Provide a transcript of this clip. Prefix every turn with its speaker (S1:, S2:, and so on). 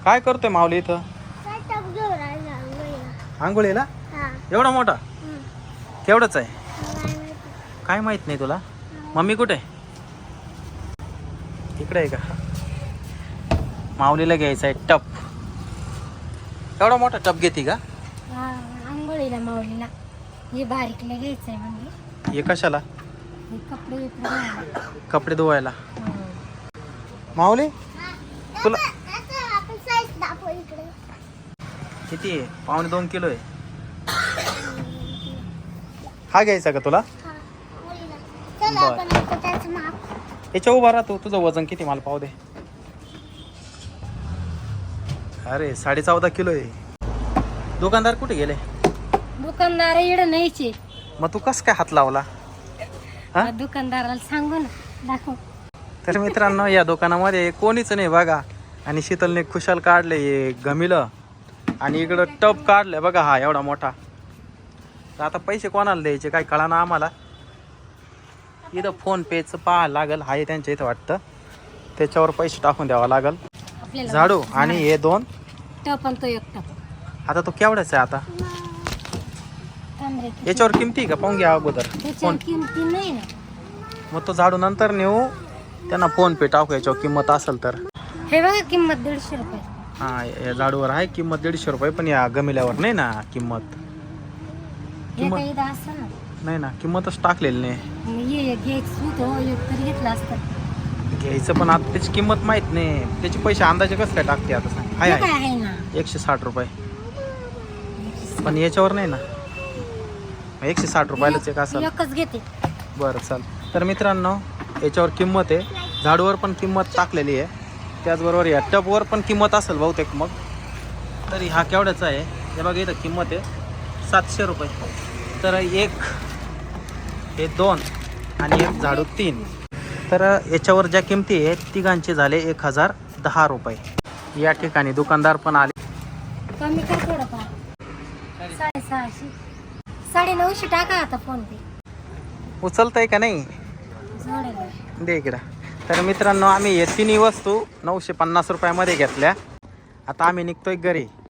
S1: काय करतोय माऊली इथं? आंघोळीला? एवढा मोठा? केवढाच आहे? काय माहित नाही तुला? मम्मी कुठे? इकडे आहे का? माऊलीला घ्यायचा आहे टप. एवढा मोठा टप घेते का?
S2: आंघोळीला माऊलीला हे बारीकला घ्यायचंय म्हणजे.
S1: हे कशाला?
S2: हे कपडे
S1: कपडे धुवायला. माऊली तुला किती आहे? 1.25 किलो आहे. हा घ्यायचा का तुला? याच्या उभा राहतो. तुझं वजन किती मला पाहू दे. अरे 14.5 किलो आहे. दुकानदार कुठे गेले?
S2: दुकानदार इकडे नाहीचे.
S1: मग तू कस काय हात लावला?
S2: दुकानदाराला सांगू ना, दाखव.
S1: तर मित्रांनो, या दुकानामध्ये कोणीच नाही बघा. आणि शीतलने खुशाल काढले हे गमिलं. आणि इकडं टप काढले बघा, हा एवढा मोठा. तर आता पैसे कोणाला द्यायचे काय कळा ना आम्हाला. इथं फोन पेचं पाहा लागल, हाय त्यांच्या इथं वाटतं. त्याच्यावर पैसे टाकून द्यावा लागल. झाडू आणि हे 2
S2: टप आणि तो एक टप.
S1: आता तो केवढाच आहे आता? याच्यावर किमती का पाहून घ्या अगोदर.
S2: त्याच्यावर किमती नाही ना.
S1: मग तो झाडू नंतर नेऊ, त्यांना फोन पे टाकू याच्यावर किंमत असेल तर.
S2: हे बघा किंमत 150 रुपये.
S1: हा, या झाडूवर आहे किंमत 150 रुपये, पण या गमिल्यावर नाही ना किंमत.
S2: हे काही असं ना
S1: नाही ना, किंमतच टाकलेली नाही.
S2: मग हे घ्यायचं होतं, एक तरी घेतलं असतं.
S1: घ्यायचं पण आता त्याची किंमत माहित नाही. त्याचे पैसे अंदाजे कसं काय टाकते आता सांग.
S2: हे काय आहे ना
S1: 160 रुपये, पण याच्यावर नाही ना. 160 रुपयालाच एक असेल.
S2: एकच घेते.
S1: बरं चल. तर मित्रांनो, याच्यावर किंमत आहे. झाडूवर पण किंमत टाकलेली आहे. त्याचबरोबर या टपवर पण किंमत असेल बहुतेक. मग तरी हा केवढ्याचा आहे हे बघा, इथं किंमत आहे 700 रुपये. तर एक, हे 2 आणि एक झाडू 3. तर याच्यावर ज्या किमती आहेत तिघांचे झाले 1010 रुपये. या ठिकाणी दुकानदार पण आले.
S2: कमी कर थोडंफार. 650, 950 टाका आता फोन पे.
S1: उचलतंय का नाही?
S2: जोडेल.
S1: दे इकडं. तर मित्रांनो, आम्ही हे 3 वस्तू 950 रुपयामध्ये घेतल्या. आता आम्ही निघतोय घरी.